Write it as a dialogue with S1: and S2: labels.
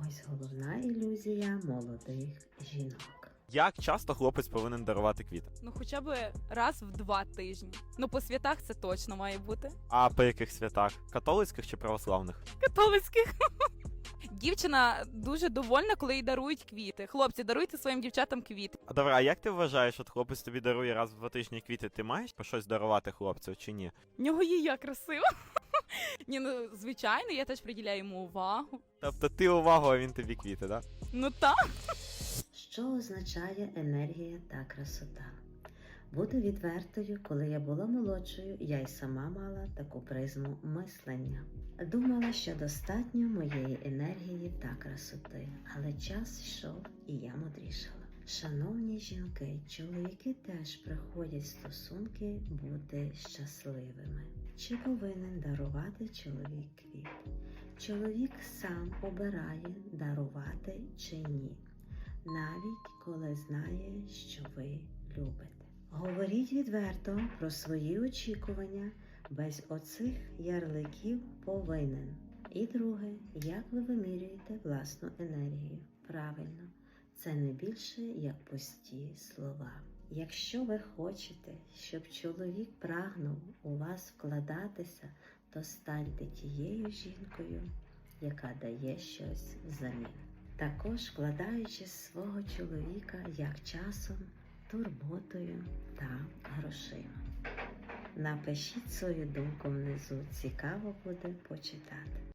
S1: Ось головна ілюзія молодих жінок.
S2: Як часто хлопець повинен дарувати квіти?
S3: Ну, хоча б раз в 2 тижні. Ну, по святах це точно має бути.
S2: А по яких святах? Католицьких чи православних?
S3: Католицьких. Дівчина дуже довольна, коли їй дарують квіти. Хлопці, даруйте своїм дівчатам квіти.
S2: А добре, а як ти вважаєш, от хлопець тобі дарує раз в 2 тижні квіти, ти маєш по щось дарувати хлопцю чи ні?
S3: В нього є я красива. Ні, ну, звичайно, я теж приділяю йому увагу.
S2: Тобто ти увагу, а він тобі квіти, да?
S3: Ну так.
S1: Що означає енергія та красота? Буду відвертою, коли я була молодшою, я й сама мала таку призму мислення. Думала, що достатньо моєї енергії та красоти, але час йшов і я мудрішала. Шановні жінки, чоловіки теж приходять в стосунки бути щасливими. Чи повинен дарувати чоловік квіт? Чоловік сам обирає, дарувати чи ні, навіть коли знає, що ви любите. Говоріть відверто про свої очікування, без оцих ярликів повинен. І друге, як ви вимірюєте власну енергію? Правильно, це не більше, як пусті слова. Якщо ви хочете, щоб чоловік прагнув у вас вкладатися, то станьте тією жінкою, яка дає щось взамін. Також вкладаючи свого чоловіка як часом, турботою та грошима. Напишіть свою думку внизу, цікаво буде почитати.